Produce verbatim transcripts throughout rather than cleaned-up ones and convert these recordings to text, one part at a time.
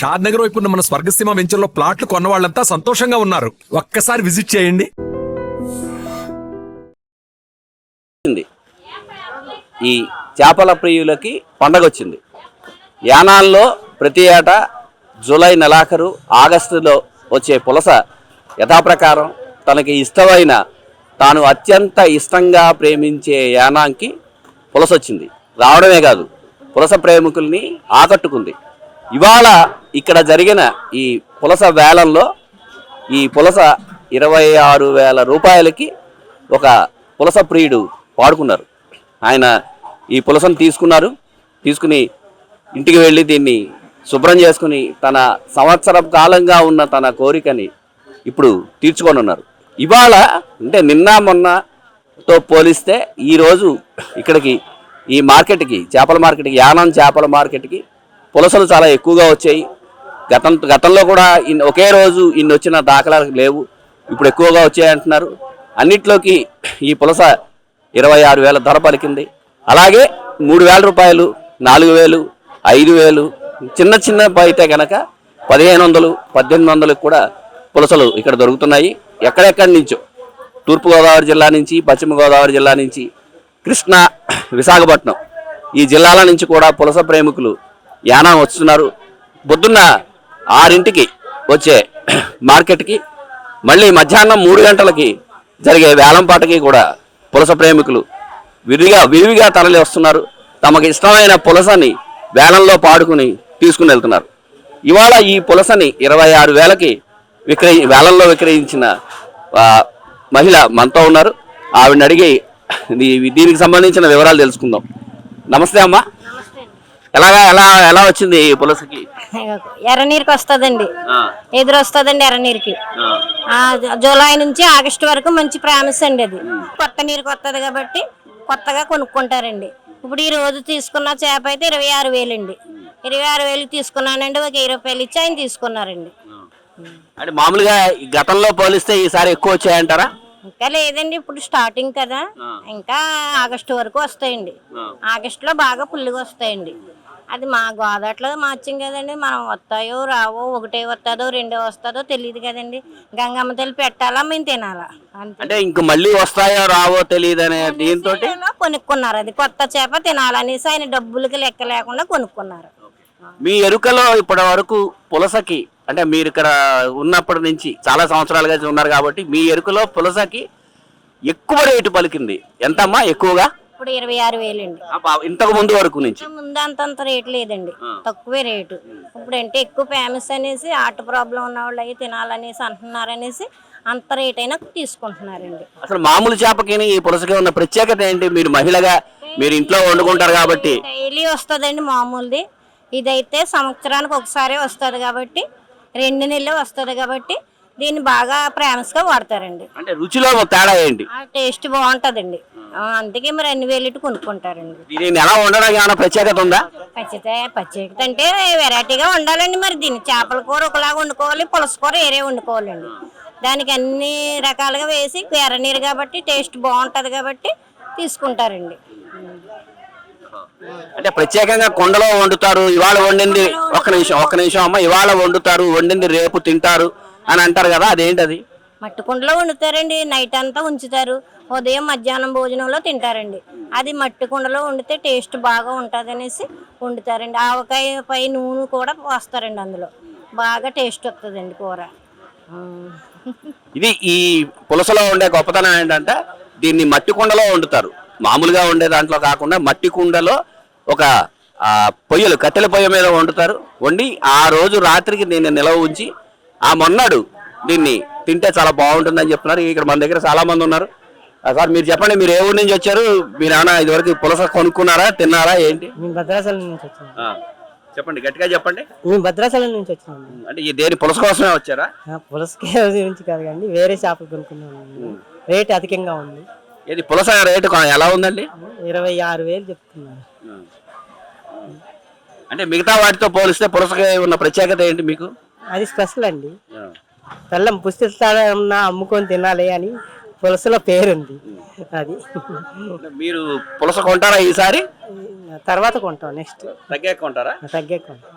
షాద్ నగర్ వైపు ఉన్న మన స్వర్గసీమ వెంచర్ లో ప్లాట్లు కొన్న వాళ్ళంతా సంతోషంగా ఉన్నారు. ఒక్కసారి విజిట్ చేయండి. ఈ చేపల ప్రియులకి పండగ వచ్చింది. యానాల్లో ప్రతి ఏటా జూలై నెలాఖరు ఆగస్టులో వచ్చే పులస యథాప్రకారం తనకి ఇష్టమైన తాను అత్యంత ఇష్టంగా ప్రేమించే యానాంకి పులస వచ్చింది. రావడమే కాదు, పులస ప్రేమికుల్ని ఆకట్టుకుంది. ఇవాళ ఇక్కడ జరిగిన ఈ పులస వేలంలో ఈ పులస ఇరవై ఆరు వేల రూపాయలకి ఒక పులస ప్రియుడు పాడుకున్నారు. ఆయన ఈ పులసను తీసుకున్నారు. తీసుకుని ఇంటికి వెళ్ళి దీన్ని శుభ్రం చేసుకుని తన సంవత్సర కాలంగా ఉన్న తన కోరికని ఇప్పుడు తీర్చుకొని ఉన్నారు. ఇవాళ అంటే నిన్న మొన్నతో పోలిస్తే ఈరోజు ఇక్కడికి ఈ మార్కెట్కి, చేపల మార్కెట్కి, యానం చేపల మార్కెట్కి పులసలు చాలా ఎక్కువగా వచ్చాయి. గతం గతంలో కూడా ఇన్ ఒకే రోజు ఇన్ని వచ్చిన దాఖలాలు లేవు. ఇప్పుడు ఎక్కువగా వచ్చాయంటున్నారు. అన్నిట్లోకి ఈ పులస ఇరవై ఆరు వేల ధర పలికింది. అలాగే మూడు వేల రూపాయలు, నాలుగు వేలు, ఐదు వేలు, చిన్న చిన్న అయితే కనుక పదిహేను వందలు పద్దెనిమిది వందలకు కూడా పులసలు ఇక్కడ దొరుకుతున్నాయి. ఎక్కడెక్కడి నుంచో తూర్పుగోదావరి జిల్లా నుంచి, పశ్చిమ గోదావరి జిల్లా నుంచి, కృష్ణా, విశాఖపట్నం ఈ జిల్లాల నుంచి కూడా పులస ప్రేమికులు యానం వస్తున్నారు. పొద్దున్న ఆరింటికి వచ్చే మార్కెట్కి మళ్ళీ మధ్యాహ్నం మూడు గంటలకి జరిగే వేలంపాటకి కూడా పులస ప్రేమికులు విరిగా విరివిగా తరలి వస్తున్నారు. తమకు ఇష్టమైన పులసని వేలంలో పాడుకుని తీసుకుని వెళ్తున్నారు. ఇవాళ ఈ పులసని ఇరవై ఆరు వేలకి విక్రయి వేలంలో విక్రయించిన మహిళ మనతో ఉన్నారు. ఆవిడని అడిగి దీనికి సంబంధించిన వివరాలు తెలుసుకుందాం. నమస్తే అమ్మా. ఎలాగా ఎలా ఎలా వచ్చింది ఈ పులసకి? ఎర్రనీరుకి వస్తుందండి, ఎదురు వస్తుందండి ఎర్రనీరుకి. జూలై నుంచి ఆగస్టు వరకు మంచి ప్రామిస్ అండి. అది కొత్త నీరుకి వస్తుంది కాబట్టి కొత్తగా కొనుక్కుంటారండి. ఇప్పుడు ఈ రోజు తీసుకున్న చేప అయితే ఇరవై ఆరు వేలు అండి. ఇరవై ఆరు వేలు తీసుకున్నానండి. ఒక వెయ్యి రూపాయలు ఇచ్చి ఆయన తీసుకున్నారండి. అంటే మామూలుగా గతంలో పోలిస్తే ఈసారి ఎక్కువ వచ్చాయంటారా? ఇంకా లేదండి, ఇప్పుడు స్టార్టింగ్ కదా, ఇంకా ఆగస్టు వరకు వస్తాయండి. ఆగస్టులో బాగా పుల్లుగా వస్తాయండి. అది మా గోదాట్లో మార్చాం కదండి, మనం వస్తాయో రావో, ఒకటే వస్తుందో రెండో వస్తుందో తెలియదు కదండి. గంగమ్మ తల్లి పెట్టాలా, మేము తినాలా అంటే ఇంక మళ్ళీ వస్తాయో రావో తెలియదు అనే దీంతో కొనుక్కున్నారు. అది కొత్త చేప తినాలనేసి ఆయన డబ్బులకి లెక్క లేకుండా కొనుక్కున్నారు. మీ ఎరుకలో ఇప్పటి వరకు పులసకి అంటే మీరు ఇక్కడ ఉన్నప్పటి నుంచి చాలా సంవత్సరాలుగా ఉన్నారు కాబట్టి మీ ఎరుకలో పులసకి ఎక్కువ రేటు పలికింది ఎంతమ్మా? ఎక్కువగా ఇప్పుడు ఇరవై ఆరు వేలు అండి. ఇంతకు ముందు వరకు నుంచి ముందు అంతంత రేటు లేదండి, తక్కువే రేటు. ఇప్పుడు అంటే ఎక్కువ ఫేమస్ అనేసి, హార్ట్ ప్రాబ్లం ఉన్న వాళ్ళు అవి తినాలనేసి అంటున్నారనేసి అంత రేట్ అయినా తీసుకుంటున్నారండి. అసలు మామూలు చేపకి ఈ పులసకి ఉన్న ప్రత్యేకత ఏంటి? మీరు మహిళగా మీరు ఇంట్లో వండుకుంటారు కాబట్టి డైలీ వస్తుందండి మామూలుది. ఇదైతే సంవత్సరానికి ఒకసారి వస్తుంది కాబట్టి, రెండు నెలలు వస్తుంది కాబట్టి దీన్ని బాగా ఫేమస్గా వాడతారండి. అంటే రుచిలో తేడా ఏంటి? టేస్ట్ బాగుంటుందండి, అందుకే మరి అన్ని వేలు కొనుక్కుంటారండి. దీన్ని ఎలా వండడానికి ఏమైనా ప్రత్యేకత ఉందా? ప్రత్యేకత ప్రత్యేకత అంటే వెరైటీగా ఉండాలండి. మరి దీన్ని చేపల కూర ఒకలాగా వండుకోవాలి, పులస కూర వేరే వండుకోవాలండి. దానికి అన్ని రకాలుగా వేసి ఎర్రనీరు కాబట్టి టేస్ట్ బాగుంటుంది కాబట్టి తీసుకుంటారండి. అంటే ప్రత్యేకంగా కొండలో వండుతారు, ఇవాళ వండింది ఒక్క నిమిషం ఒక్క నిమిషం అమ్మ ఇవాళ వండుతారు, వండింది రేపు తింటారు అని అంటారు కదా, అదేంటది? మట్టి కుండలో వండుతారండి, నైట్ అంతా ఉంచుతారు, ఉదయం మధ్యాహ్నం భోజనంలో తింటారండి. అది మట్టి కుండలో వండితే టేస్ట్ బాగా ఉంటుంది అనేసి వండుతారండి. ఆవకాయ పై నూనె కూడా పోస్తారండి, అందులో బాగా టేస్ట్ వస్తుందండి కూర. ఇది ఈ పులసలో ఉండే గొప్పతనం ఏంటంటే దీన్ని మట్టి కుండలో వండుతారు. మామూలుగా ఉండే దాంట్లో కాకుండా మట్టి కుండలో ఒక పొయ్యలు కట్టెల పొయ్యి మీద వండుతారు. వండి ఆ రోజు రాత్రికి దీన్ని నిలవ ఉంచి ఆ మొన్నాడు దీన్ని తింటే చాలా బాగుంటుందని చెప్తున్నారు. ఇక్కడ మన దగ్గర చాలా మంది ఉన్నారు. సార్ మీరు చెప్పండి, మీరు ఏ ఊరి నుంచి వచ్చారు? మీరు ఏమైనా ఇదివరకు పులస కొనుక్కున్నారా, తిన్నారా, ఏంటి? భద్రాచలం నుంచి వచ్చాను. చెప్పండి, గట్టిగా చెప్పండి. మేము భద్రాచలం నుంచి వచ్చినాము. అంటే ఈ దేని పులస కోసమే వచ్చారా? పులసకి గురించి కాదు కానీ వేరే చేపలు కొనుక్కున్నాము. రేట్ అధికంగా ఉంది. ఇది పులస రేటు ఎలా ఉందండి? ఇరవై ఆరు వేలు చెప్తున్నారు. అంటే మిగతా వాటితో పోలిస్తే పులసకి ఉన్న ప్రత్యేకత ఏంటి మీకు? అది స్పెషల్ అండి. బెల్లం పుస్తకాలన్నా అమ్ముకొని తినాలి అని పులసలో పేరుంది. అది మీరు పులస కొంటారా ఈసారి? తర్వాత కొంటాం, నెక్స్ట్ తగ్గే కొంటారా? తగ్గే కొంటాం.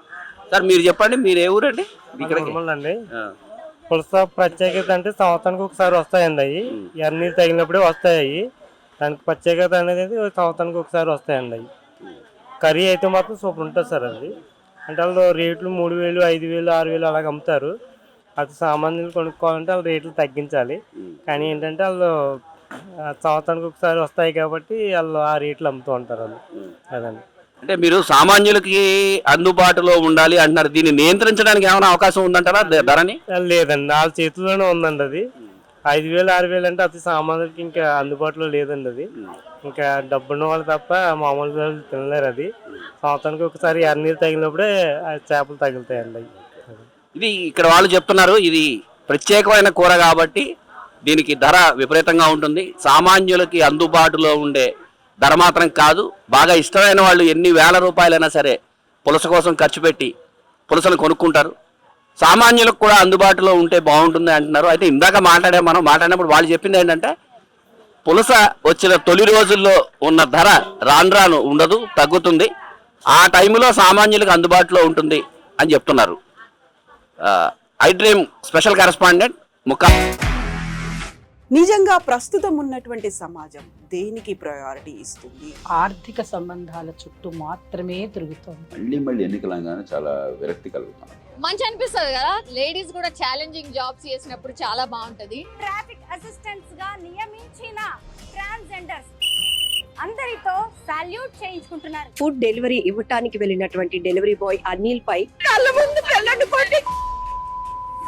సార్ మీరు చెప్పండి, మీరు ఏ ఊరండి? ఇక్కడికి అండి పులస ప్రత్యేకత అంటే సంవత్సరానికి ఒకసారి వస్తాయండి అవి ఎర్రనీరు తగిలినప్పుడే వస్తాయి అవి. దానికి ప్రత్యేకత అనేది సంవత్సరానికి ఒకసారి వస్తాయండి అవి. కర్రీ అయితే మాత్రం సూపర్ ఉంటుంది సార్. అది అంటే వాళ్ళు రేట్లు మూడు వేలు ఐదు వేలు ఆరు వేలు అలాగ అమ్ముతారు. అది సామాన్యులు కొనుక్కోవాలంటే వాళ్ళు రేట్లు తగ్గించాలి. కానీ ఏంటంటే వాళ్ళు సంవత్సరానికి ఒకసారి వస్తాయి కాబట్టి వాళ్ళు ఆ రేట్లు అమ్ముతూ ఉంటారు వాళ్ళు. అదండి. అంటే మీరు సామాన్యులకి అందుబాటులో ఉండాలి అంటున్నారు. దీన్ని నియంత్రించడానికి ఏమైనా అవకాశం ఉందంటారా ధరని? లేదండి, వాళ్ళ చేతిలోనే ఉందండి. అది ఐదు వేలు ఆరు వేలు అంటే అతి సామాన్యులకి ఇంకా అందుబాటులో లేదండి. అది ఇంకా డబ్బున్న వాళ్ళు తప్ప మామూలు వాళ్ళు తినలేరు. అది సంవత్సరానికి ఒకసారి ఎర్రనీరు తగిలినప్పుడే చేపలు తగులుతాయండి. ఇది ఇక్కడ వాళ్ళు చెప్తున్నారు, ఇది ప్రత్యేకమైన కూర కాబట్టి దీనికి ధర విపరీతంగా ఉంటుంది. సామాన్యులకి అందుబాటులో ఉండే ధర మాత్రం కాదు. బాగా ఇష్టమైన వాళ్ళు ఎన్ని వేల రూపాయలైనా సరే పులస కోసం ఖర్చు పెట్టి పులసను కొనుక్కుంటారు. సామాన్యులకు కూడా అందుబాటులో ఉంటే బాగుంటుంది అంటున్నారు. అయితే ఇందాక మాట్లాడే మనం మాట్లాడినప్పుడు వాళ్ళు చెప్పింది ఏంటంటే పులస వచ్చిన తొలి రోజుల్లో ఉన్న ధర రాను రాను ఉండదు, తగ్గుతుంది. ఆ టైంలో సామాన్యులకు అందుబాటులో ఉంటుంది అని చెప్తున్నారు. I dream special correspondent Mukka. నిజంగా ప్రస్తుతం ఉన్నటువంటి సమాజం దేనికి ప్రయారిటీ ఇస్తుంది? ఆర్థిక సంబంధాల చుట్టూ మాత్రమే తిరుగుతుంది. మళ్ళీ మళ్ళీ ఎన్నికలంగానే చాలా విరక్తి కలుగుతాం. మంచి అనిపిస్తుంది కదా, లేడీస్ కూడా ఛాలెంజింగ్ జాబ్స్ చేసినప్పుడు చాలా బాగుంటది. ట్రాఫిక్ అసిస్టెంట్స్ గా నియమించిన ట్రాన్స్జెండర్స్ అందరితో సాల్యూట్ చేయించుకుంటున్నారు. ఫుడ్ డెలివరీ ఇవ్వటానికి వెళ్ళినటువంటి డెలివరీ బాయ్ అనిల్ పై కళ్ళ ముందు